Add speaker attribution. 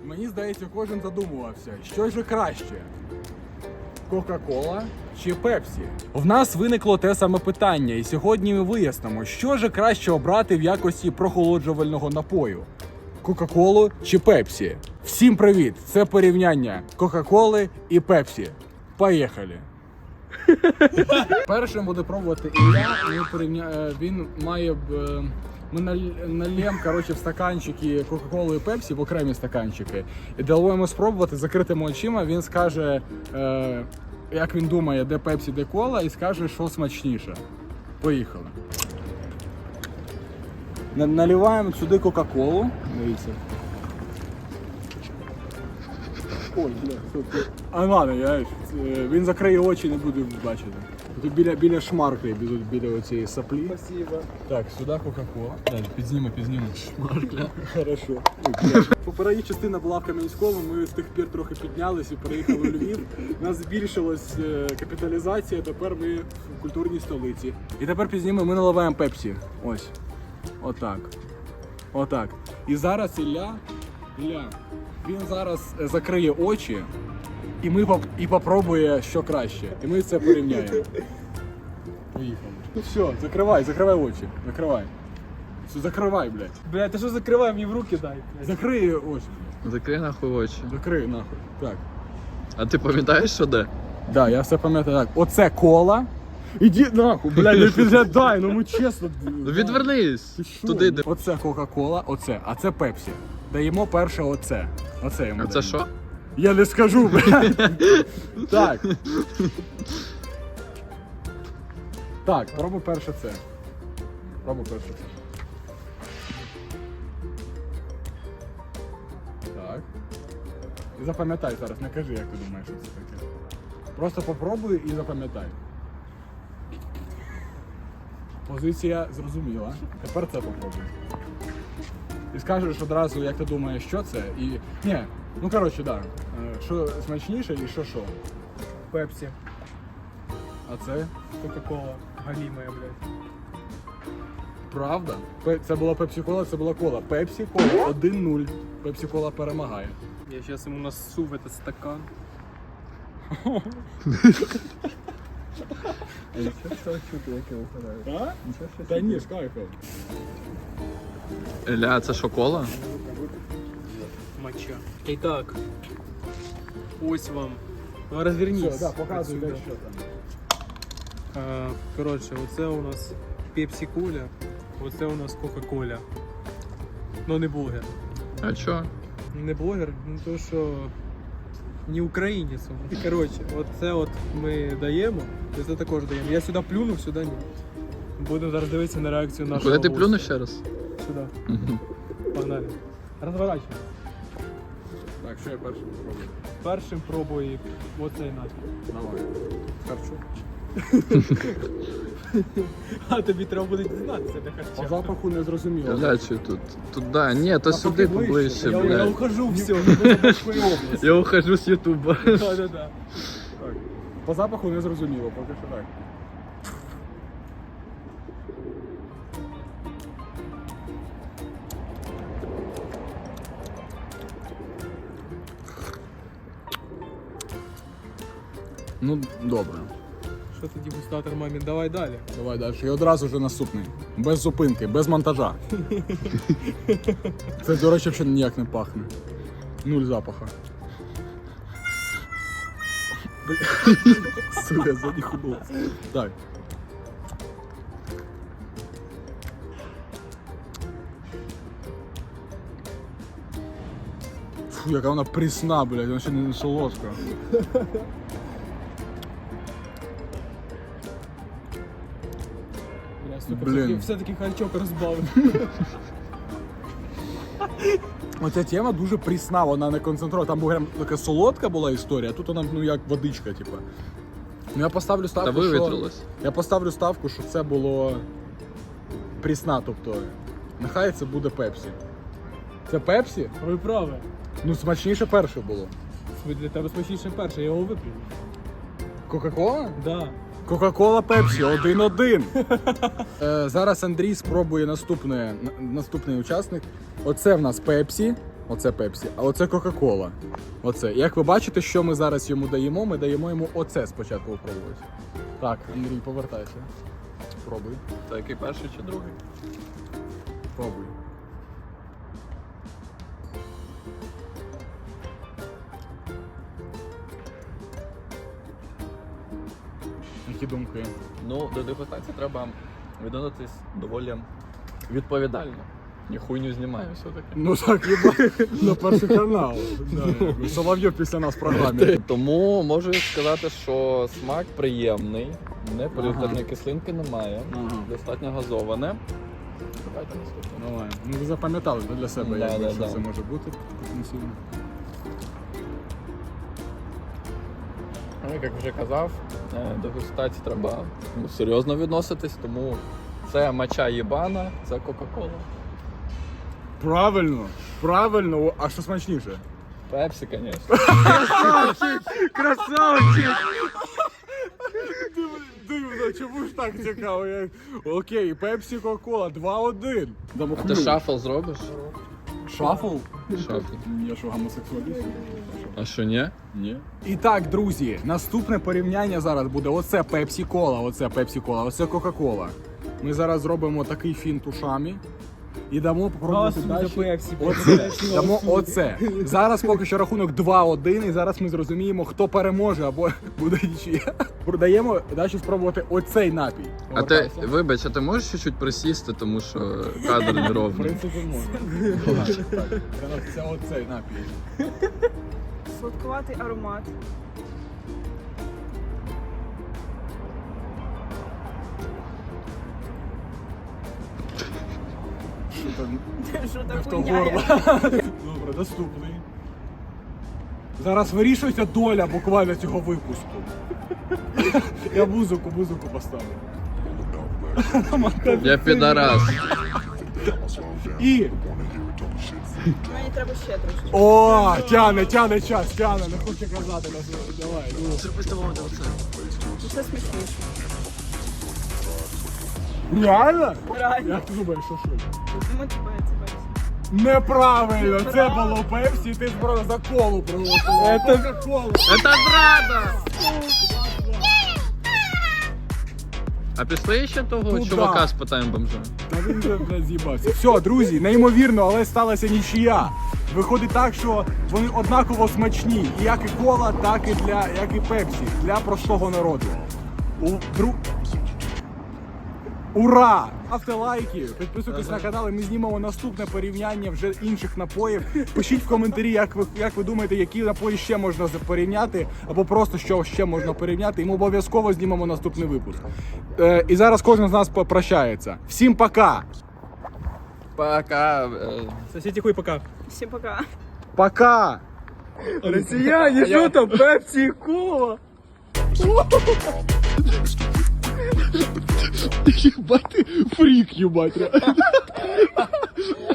Speaker 1: Мені здається, кожен задумувався, що ж краще? Кока-кола чи Пепсі? В нас виникло те саме питання, і сьогодні ми вияснимо, що ж краще обрати в якості прохолоджувального напою. Кока-колу чи Пепсі? Всім привіт! Це порівняння Кока-коли і Пепсі. Поїхали! Першим буде пробувати Ілля. Він має... Ми нальємо, коротше, в стаканчики Кока-Колу і Пепсі, в окремі стаканчики. І дамо йому спробувати, закритими очима, він скаже, як він думає, де Пепсі, де кола, і скаже, що смачніше. Поїхали. Наливаємо сюди Кока-Колу. Дивіться. Ой, бля, ладно, він закриє очі, не буде бачити. Тут біля шмарки, біля оцієї саплі.
Speaker 2: Спасибо.
Speaker 1: Так, сюди Кока-Кола. Так, підзніми. Шмаркля. Хорошо. Попередня частина була в Кам'янському, ми з тих пір трохи піднялись і переїхали у Львів. У нас збільшилась капіталізація, тепер ми в культурній столиці. І тепер підзніми, ми наливаємо Пепсі. Ось. Отак. Отак. І зараз Ілля, він зараз закриє очі і попробує, що краще. І ми це порівняємо. Поїхали. Ну все, закривай очі. Закривай. Все, закривай, блядь.
Speaker 2: Блядь, ти що закривай, мені в руки дай.
Speaker 1: Закрий очі.
Speaker 3: Закрий нахуй очі.
Speaker 1: Закрий нахуй. Так.
Speaker 3: А ти пам'ятаєш, що де?
Speaker 1: Да, я все пам'ятаю так. Оце кола. Іди нахуй, блядь, не підглядай, ну ми чесно.
Speaker 3: Ну відвернись! Туди де.
Speaker 1: Оце Кока-Кола, оце, а це Пепсі. Даємо перше оце. Оце йому
Speaker 3: А це
Speaker 1: даємо.
Speaker 3: що?
Speaker 1: Я не скажу, блядь. Так. Так, пробуй перше це. Пробуй перше це. Так. І запам'ятай зараз, не кажи, як ти думаєш, що це таке. Просто попробуй і запам'ятай. Позиція зрозуміла. Тепер це попробуй. І скажеш одразу, як ти думаєш, що це, і... Ні, ну коротше, да. Що смачніше і що?
Speaker 2: Пепсі.
Speaker 1: А це?
Speaker 2: Кока-кола. Галімая, блядь.
Speaker 1: Правда? Це була Пепсі-кола, це була кола. Пепсі-кола 1-0. Пепсі-кола перемагає.
Speaker 2: Я зараз йому насу в этот стакан.
Speaker 1: А? Та ні, з кайфом.
Speaker 3: Ілля, це що, кола?
Speaker 2: Моча. І так. Ось вам. Розвернись.
Speaker 1: Все, да, показуй,
Speaker 2: отсюда.
Speaker 1: де що там.
Speaker 2: Коротше, оце у нас Пепсі-коля, оце у нас Кока-коля. Ну не блогер.
Speaker 3: А чо?
Speaker 2: Не блогер, ну то що не українець. Коротше, оце от ми даємо, і це також даємо. Я сюди плюнув, сюди ні. Будемо зараз дивитися на реакцію нашого
Speaker 3: Куди ти
Speaker 2: гостя.
Speaker 3: плюнув ще раз?
Speaker 2: Сюди.
Speaker 3: Мгм.
Speaker 2: Погнали. Розворачуємо.
Speaker 1: Так, що я першим спробую?
Speaker 2: Першим пробуй оцей наш.
Speaker 1: Давай. Харчу.
Speaker 2: А тобі треба буде дізнатися, де
Speaker 1: По
Speaker 2: харча.
Speaker 1: запаху не зрозуміло.
Speaker 3: Ілля, чи тут? Туди. Ні, то сюди
Speaker 1: поближче.
Speaker 3: поближче,
Speaker 2: Я
Speaker 3: блядь.
Speaker 2: ухожу, все.
Speaker 3: Я ухожу з Ютуба.
Speaker 2: Да.
Speaker 1: Так. По запаху не зрозуміло, поки що так. Ну, добре.
Speaker 2: Що ти дегустатор, мамін, давай далі.
Speaker 1: Давай далі. І одразу вже наступний. Без зупинки, без монтажа. Це, до речі, взагалі ніяк не пахне. Нуль запаха. Сука, занюхнув. Так. Фу, яка вона прісна, блядь, вона ще не солодка.
Speaker 2: Бля, сука,
Speaker 1: Блін.
Speaker 2: все-таки харчок розбавив.
Speaker 1: Оця тема дуже прісна, вона не концентрована. Там прям така солодка була історія, а тут вона, ну, як водичка, типу. Ну, я поставлю
Speaker 3: Та
Speaker 1: ставку, що...
Speaker 3: вивітрилось.
Speaker 1: Я поставлю ставку, що це було прісна, тобто нехай це буде Пепсі. Це Пепсі?
Speaker 2: Ви праві.
Speaker 1: Ну, смачніше перше було.
Speaker 2: Для тебе смачніше перше, я його вип'ю.
Speaker 1: Кока-кола?
Speaker 2: Да.
Speaker 1: Кока-кола Пепсі 1-1. Зараз Андрій спробує наступний учасник. Оце в нас Пепсі, Оце Пепсі, а оце Кока-Кола. Оце. Як ви бачите, що ми зараз йому даємо? Ми даємо йому оце спочатку попробувати. Так, Андрій, повертайся. Пробуй.
Speaker 3: Це який перший чи другий?
Speaker 1: Пробуй. Які думки?
Speaker 3: Ну, до дегустації треба відноситись доволі відповідально. Ні хуйню знімаю все-таки.
Speaker 1: Ну так, на перший канал. Да. Соловйов після нас в програмі.
Speaker 3: Тому можу сказати, що смак приємний, не полюторної кислинки немає,
Speaker 1: Ага.
Speaker 3: достатньо газоване. Давайте наступне.
Speaker 1: Давай. Ну ви запам'ятали для себе,
Speaker 3: Да,
Speaker 1: якби,
Speaker 3: да,
Speaker 1: що
Speaker 3: да.
Speaker 1: це може бути потенційно.
Speaker 3: Ну, як вже казав, до дегустації треба серйозно відноситись, тому це мача єбана, це Кока-Кола.
Speaker 1: Правильно, правильно. А що смачніше?
Speaker 3: Пепсі, звісно.
Speaker 2: Красавчик!
Speaker 1: Дивно, чому ж так цікаво? Окей, Пепсі, Кока-Кола, 2-1. Дамо
Speaker 3: А ти шафл зробиш?
Speaker 1: Шафл?
Speaker 3: Шафл.
Speaker 1: Я що, гомосексуаліст?
Speaker 3: А що, ні?
Speaker 1: Ні. І так, друзі, наступне порівняння зараз буде оце Пепсі-Кола, оце Пепсі-Кола, оце Кока-Кола. Ми зараз зробимо такий фінт ушами і дамо попробувати далі. Оце, дамо оце. Зараз поки що рахунок 2-1, і зараз ми зрозуміємо, хто переможе або буде нічия. Продаємо далі спробувати оцей напій.
Speaker 3: А ти, вибач, а ти можеш чуть-чуть присісти, тому що кадр не
Speaker 1: В
Speaker 3: ровний.
Speaker 1: принципі, можна. Так, це оцей напій.
Speaker 4: Сладкуватий аромат.
Speaker 1: Що там?
Speaker 4: Що
Speaker 1: Не
Speaker 4: так
Speaker 1: в то
Speaker 4: хуйня?
Speaker 1: горло. Добре, наступний. Зараз вирішується доля буквально цього випуску. Я музику поставлю.
Speaker 3: Я підарас.
Speaker 1: І.
Speaker 4: Мені треба ще трошки.
Speaker 1: О, тяне час, тяне, не хоче казати нас. Давай, ну.
Speaker 4: Це смачніше.
Speaker 1: Реально?
Speaker 4: Реально.
Speaker 1: Як ти думаєш, що?
Speaker 4: Думаю, це Пепсі.
Speaker 1: Неправильно, це було Пепсі, ти просто за колу проголосував.
Speaker 2: Це-
Speaker 1: Кока-Колу.
Speaker 3: Це зрада! А пішли ще того
Speaker 1: Куда?
Speaker 3: чувака спитаємо бомжа?
Speaker 1: Та він вже, блядь, з'їбався. Все, друзі, неймовірно, але сталася нічия. Виходить так, що вони однаково смачні. І як і кола, так і як і Пепсі. Для простого народу. Ура! Ставте лайки, підписуйтесь на канал, і ми знімемо наступне порівняння вже інших напоїв. Пишіть в коментарі, як ви думаєте, які напої ще можна порівняти, або просто що ще можна порівняти. І ми обов'язково знімемо наступний випуск. І зараз кожен з нас попрощається. Всім пока!
Speaker 3: Пока.
Speaker 2: Сосите хуй пока.
Speaker 4: Всім пока.
Speaker 1: Пока!
Speaker 2: Россияне, что там? Пепси и кола?
Speaker 1: Ебать ты фрик, ебать.